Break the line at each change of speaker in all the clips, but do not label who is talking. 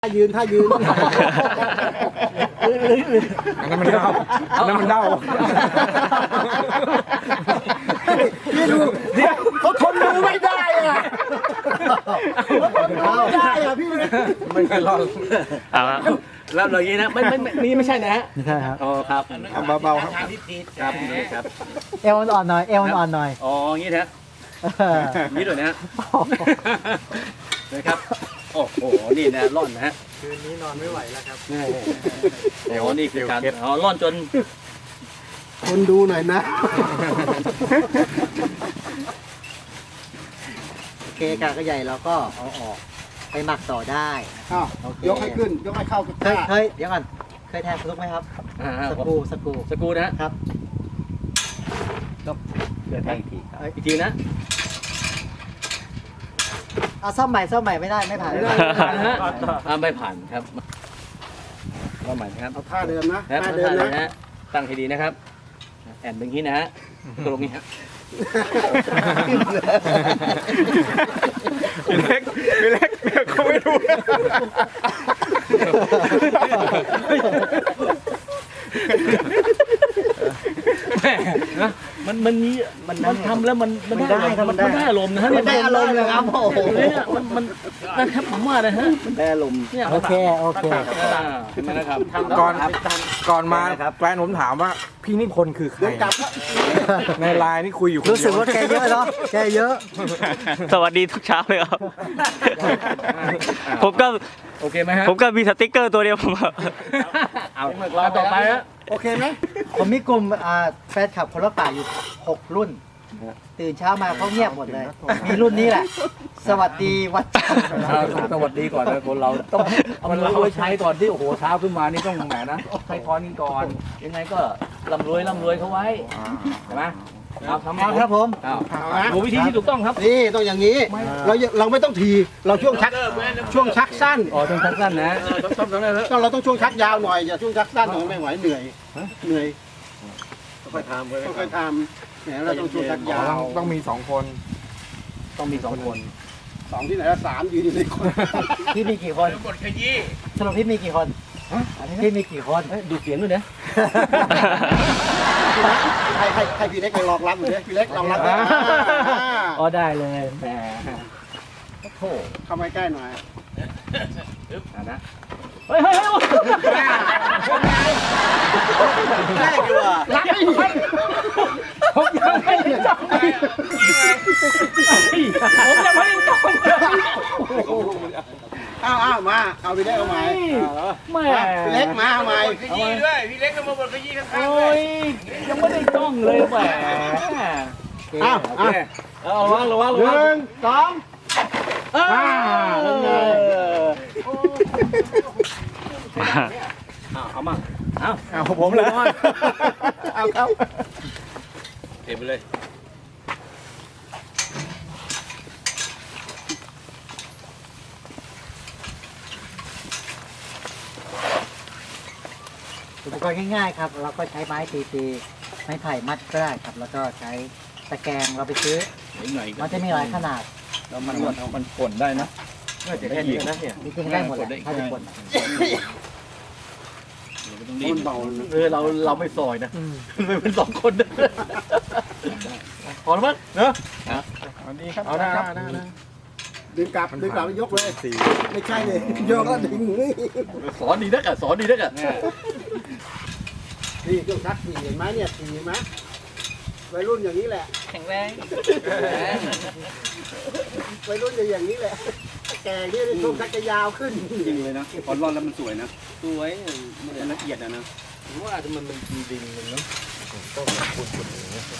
ยืนอันนั้นมันเด้านี่ดูเขาทนดูไม่ได้อะเขาทนดูไม่ได้อะพี่ไม่เคยรอด
แล้วอย่างนี้นะนี่ไม่ใช่นะฮะ
ไม่ใช่ครับ
อ๋อครับ
เบาๆครับ
ครับ
เอวอ่อนๆหน่อยเอวอ่อนๆหน่อย
อ๋ออย่างนี้นะนี่ด้วยนะฮะนะครับโอ้โหนี่นะร่อนนะฮะ
คืนนี้นอนไม่ไหวแล้วครับ
อ๋อนี่คือการร่อนจน
คนดูหน่อยนะ
โอเคกากระใหญ่เราก็เอาออกไปหมักต่อได้
ยกให้ขึ้นยกให้เข้ากับ
เคยเดี๋ยวก่อนเคยแทงสนุกไหมครับสกู
นะครับเดี๋ยวแทงอีกทีอีกทีนะ
เอาซ่อมใหม่ไม่ได้ไม่ผ่าน
นะฮะไม่ผ่านครับว่าใหม่ครับ
เอาท่าเดิมนะ
ท่าเดิมนะตั้งให้ดีนะครับแอนเป็นอย่างนี้นะฮะตรงนี้ฮะ
พี่เล็กเขาไม่ดู
มันทำแล้วมันได้อารมณ์นะฮะ
มันได้อารมณ์เลยครับโอ้โห
เนี่ยมันนะครับผมว่านะฮะ
ได้อารมณ์โอเค
เห็นไหมนะครับ
ก่อนมาแฟนผมถามว่าพี่นิพนธ์คือใครในไลน์นี่คุยอยู่
รู้สึกว่าแกเยอะเนาะแกเยอะ
สวัสดีทุกเช้าเลยครับผมก็
โอเคไหมฮะ
ผมก็มีสติ๊กเกอร์ตัวเดียวผม
เอาต่อไปฮะ
โอเคไหม
ผมมีกลุ่มแฟนคลับคนละป่าอยู่6รุ่นตื่นเช้ามาเขาเงียบหมดเลยมีรุ่นนี้แหละสวัสดีวัด
สวัสดีก่อนนะคนเราต้องเอามันไว้ใช้ก่อนที่โอ้โหเช้าขึ้นมานี่ต้องแหมนะใช้พรกันก่อนยังไงก็ร่ำรวยเขาไว้ใช่ไหม
ทำครับผม
ดูวิธีที่ถูกต้องครับ
นี่ต้องอย่างนี้เราไม่ต้องทีเราช่วงชักสั้น
ช่วงชักสั้นนะ
เราต้องช่วงชักยาวหน่อยอย่าช่วงชักสั้นไม่ไหวเหนื่อยค่อยทำเนี่ยเราต้องช่วงชักยาว
ต้องมี2 คน
ต้องมี2 คน
2ที่ไหนละ3ยืนอยู่ในคน
พี่มีกี่คนหมดขยี้สรุปพี่มีกี่คนพี่มีกี่คน
ดูเสียงด้วยนะ
ให้พี่เล็กไปลองรับเลยพี่เล็กลองรับ
อ๋อได้เลยแหม
โอ้เข้ามาใกล้หน่อย
นะ
เฮ้ย
แรกอยู่อ่ะรักไม่ดี
ผมยังไม่จับผมยังไม่จับ
มาเอาพี่เล็กเอาใหม่พี่เล็กมาเอาใหม่
ขยี้ด้วยพี่เล็กก็มาบดขยี้ข้างๆ
เลยยังไม่ได้จ้องเลยแหม
ระวัง1 2เอามา
เอาผมเลยเอาเข้า
เก็บไปเลย
อุปกรณ์ง่ายๆครับเราก็ใช้ไม้ตีไม้ไผ่มัดก็ได้ครับแล้วก็ใช้ตะแกรงเราไปซื้อมันจะมีหลายขนาด
แล้วมันป่นได้นะ
จะแค่นี้นะจริงๆได้หมดถ้าจะป่น
มันเบา
เราไม่ซอยนะมันเป็น2 คนพอแล้วมั้งเนอะ
ดีครับเอานะครับดึงกลับยกเลยไม่ใช่เลยยกแล้วดึง
สอนดีนักอ่ะ
นี่เครื่องชัก4เห็นไหมเนี่ย4เห็นไหมวัยรุ่นอย่างนี้แหละ
แข็งแรง
วัยรุ่นอย่างนี้แหละแก่เนี่ยช่วงชักจะยาวขึ้น
จริงเลยนะพอร่อนแล้วมันสวยนะ
สวย
มันละเอียดนะ
ผมว่ามันดินมันเนาะต้องขุดอย่างนี้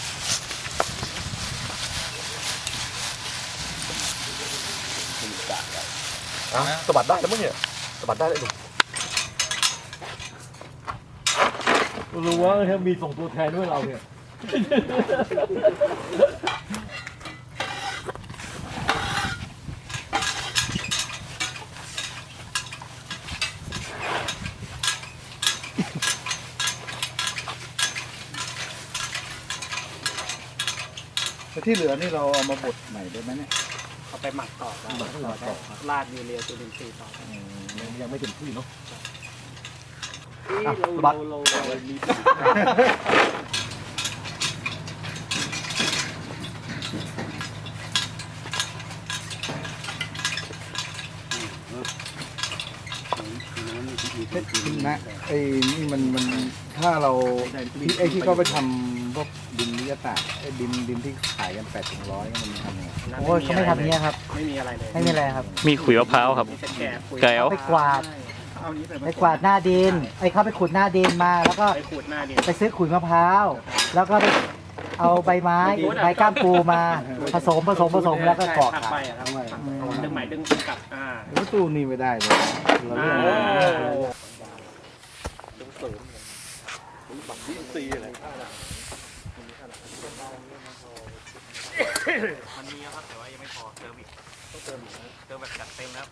สะบัดได้แล้วมั้งเนี่ยสะบัดได้เลย
รู้ว่าถ้ามีส่งตัวแทนด้วยเราเนี่ย
ที่เหลือนี่เราเอามาบดใหม่ได้ไหมเนี่ย
เอาไปหมักต่อราดยูเรียจุลินทรีย์ต่อ
ยังไม่เต็มที่เนาะ
เรามี
นะไอ้นี่มันถ้าเราไอ้ที่เขาไปทำพวกดินวิทยาศาสตร์ไอ้ดินที่ขายกัน8 ถึง 100มันทำยังไง
โอ้ยเขาไม่ทำอย่างนี้ยครับ
ไม่มีอะไรเลย
ไม่มีอะไรครับ
มีขุยมะพร้าวครับ
มีแต่แกะปุ๋ย
แก้ว
ไปกวาดไปกวาดหน้าดินไอ้เขาไปขุดหน้าดินมาแล้วก็
ไปขูดหน้าดิน
ไปซื้อขุยมะพร้าวแล้วก็ไปเอาใบไม้ใบก้ามปูมาผสมแล้วก็กรอก
หัก
ขา
ไป
ย
อะครับดึงใหม่ดึงกลับ
แล้วตู้นี่ไม่ได้เลยเราเรียก
มันมีครับแต่ว่ายังไม่พอเติมอีกต้องเติมแบบจัดเต็มแล้ว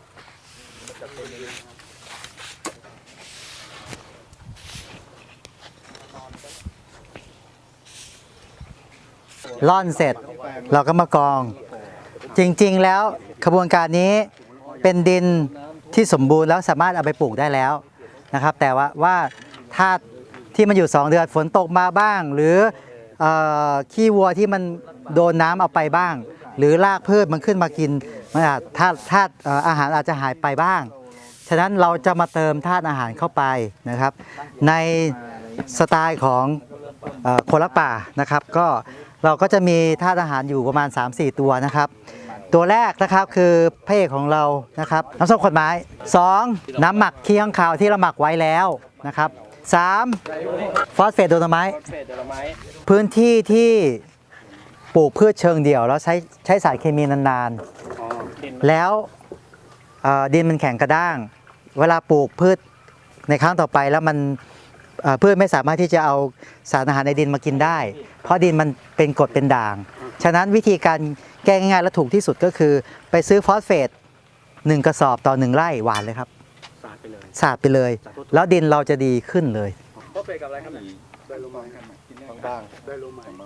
ร่อนเสร็จเราก็มากอง จริงๆแล้วขบวนการนี้เป็นดินที่สมบูรณ์แล้วสามารถเอาไปปลูกได้แล้วนะครับ แต่ว่าถ้าที่มันอยู่2 เดือนฝนตกมาบ้าง หรือขี้วัวที่มันโดนน้ำเอาไปบ้าง หรือรากพืชมันขึ้นมากินมันอาจธาตุอาหารอาจจะหายไปบ้าง ฉะนั้นเราจะมาเติมธาตุอาหารเข้าไปนะครับ ในสไตล์ของคนรักป่านะครับก็เราก็จะมีธาตุอาหารอยู่ประมาณ 3-4 ตัวนะครับ ตัวแรกนะครับคือพระเอกของเรานะครับน้ำส้มขวดไม้ 2. น้ำหมักขี้ข้างคาวที่เราหมักไว้แล้วนะครับ 3. ฟอสเฟตโดโลไมต์พื้นที่ที่ปลูกพืชเชิงเดี่ยวแล้วใช้สารเคมีนานๆแล้วดินมันแข็งกระด้าง เวลาปลูกพืชในครั้งต่อไปแล้วมันพืชไม่สามารถที่จะเอาสารอาหารในดินมากินได้ เพราะดินมันเป็นกรดเป็นด่าง ฉะนั้นวิธีการแก้ง่ายๆและถูกที่สุดก็คือไปซื้อฟอสเฟต1 กระสอบต่อ1 ไร่หวานเลยครับสาดไปเลย แล้วดินเราจะดีขึ้นเลย
ฟอสเฟตกับอะไรครับไดโลไมต์ไดโลไมต์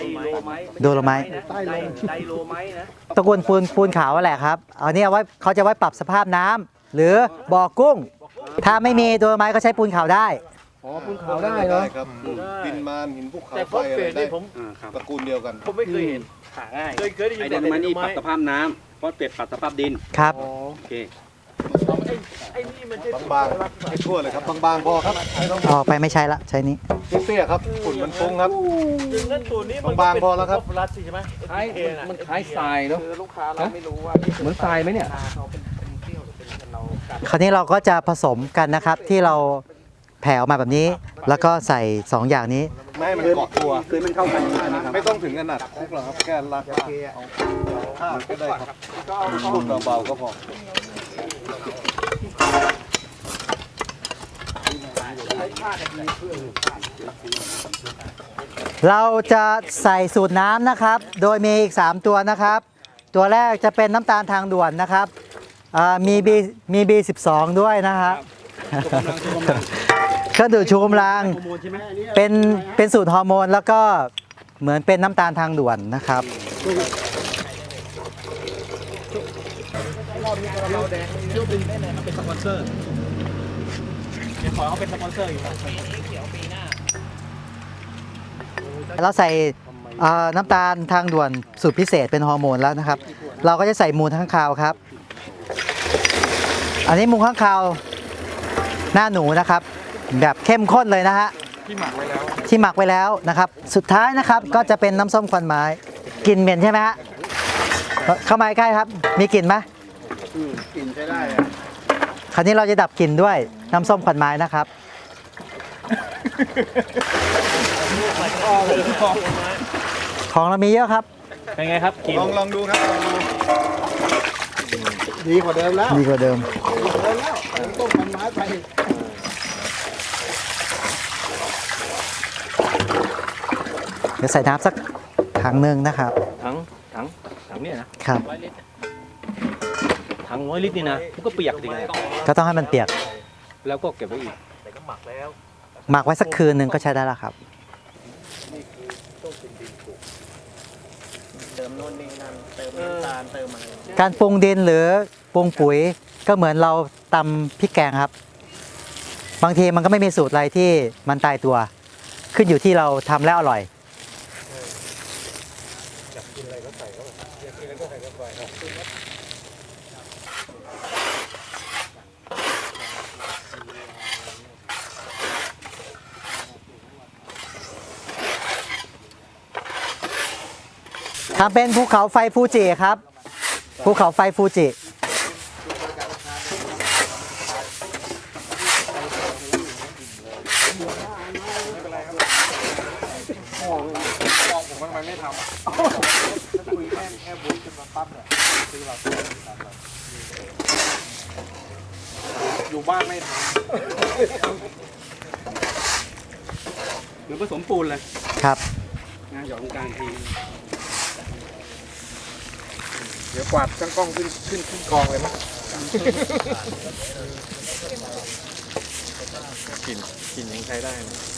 โดโลไมต์
ไดโลไมต์นะ
ตระกูลปูนขาวแหละครับอันนี้เอาไว้เขาจะไว้ปรับสภาพน้ำหรือบ่อกุ้ง ถ้าไม่มีโดโลไมต์ก็ใช้ปูนขาวได้
อ๋อปูนขาวได้เหรอ
ครับดินมานหินภูเขา
แต่
ไฟ
ฟอส
อะ
เฟ
ไร
ต
ได้
นี่ผม
ตระกูลเดียวกัน
ผมไม่เคยเห็นหาง่ายเคยได้ยิน
ไอเดนมันนี่ปรับสภาพน้ำฟอสเฟตปรับสภาพดิน
ครับ
โอเค
ไอ้นี่มันใช่
บางๆให้ทั่วเลยครับบางๆพอครับไม่ต้อง
ออกไปไม่ใช้ละใช้นี้
เตี้ยๆครับฝุ่นมันฟุ้งครับ
ดึงนั่นตัวนี้มัน
บางๆพอแล้วครับ
รัดสิใช่ไหม
คล้ายมันคล้ายทรายเนาะ
คือลูกค้าเราไม่รู้ว่า
เหมือนทรายไหมเนี่ย
เขาเป็นเที่ยวหรือเป็นเรากัด
คราวนี้เราก็จะผสมกันนะครับที่เราแผ่ออกมาแบบนี้ แล้วก็ใส่ 2 อย่างนี้
ไม่ให้มันเกาะตัว
คือมันเข้ากัน
ไม่ต้องถึงขนาดคุกหรอกครับแค่ลากเอาข้าวก็ได้ครับพูดเบาๆก็พอ
เราจะใส่สูตรน้ำนะครับ โดยมีอีก 3 ตัวนะครับ ตัวแรกจะเป็นน้ำตาลทางด่วนนะครับมี B12 ด้วยนะครับเครื่องดื่มชูกำลังเป็นสูตรฮอร์โมนแล้วก็เหมือนเป็นน้ำตาลทางด่วนนะครับ
เป็นสปอนเซอร์เดี๋ยวขอเขาเป็นสปอนเซอร์อยู่นะ
เราใส่น้ำตาลทางด่วนสูตรพิเศษเป็นฮอร์โมนแล้วนะครับ เราก็จะใส่มูลข้างคาวครับ อันนี้มูลข้างคาวหน้าหนูนะครับ แบบเข้มข้นเลยนะฮะที่หมักไว้แล้วนะครับ สุดท้ายนะครับก็จะเป็นน้ำส้มควันไม้กลิ่นเหม็นใช่ไหมฮะเข้ามาใกล้ครับมีกลิ่นไหม
กินใช้ได้อะ
คราวนี้เราจะดับกลิ่นด้วยน้ำส้มควันไม้นะครับ ของเรามีเยอะครับ
เป็นไงครับกิน
ลองดูครับลองดู
ดีกว่าเดิมแล้ว
ดีกว่าเดิม
ต้มมันไม้ไป
เดี๋ยวใส่น้ำสักถังหนึ่งนะครับ
ถังเนี่ยนะครับ ถัง100 ลิตรนี่นะมันก็เปียกดิไง
ก็ต้องให้มันเปียก
แล้วก็เก็บไว้อีก
หมักไว้สักคืนหนึ่งก็ใช้ได้แล้วครับ
เติมโน่นนี่นั่นเติมน้ำตาลเติมอะไร
การปรุงดินหรือปรุงปุ๋ยก็เหมือนเราตำพริกแกงครับ บางทีมันก็ไม่มีสูตรอะไรที่มันตายตัว ขึ้นอยู่ที่เราทำแล้วอร่อย ทำเป็นภูเขาไฟฟูจิครับ ภูเขาไฟฟูจิ
ผมทำไมไม่ทำคุยแค่บุญขึ้นมาปั๊บเนี่ยคือเราอยู่บ้านไม่ท
เหมือนผสมปูนเลย
ครับ
นะหยอดตรงกลางที
ำเดี๋ยวกวาดช่างกล้องขึ้นกองเลยมั้ยกลิ่นยังใช้ได้นะ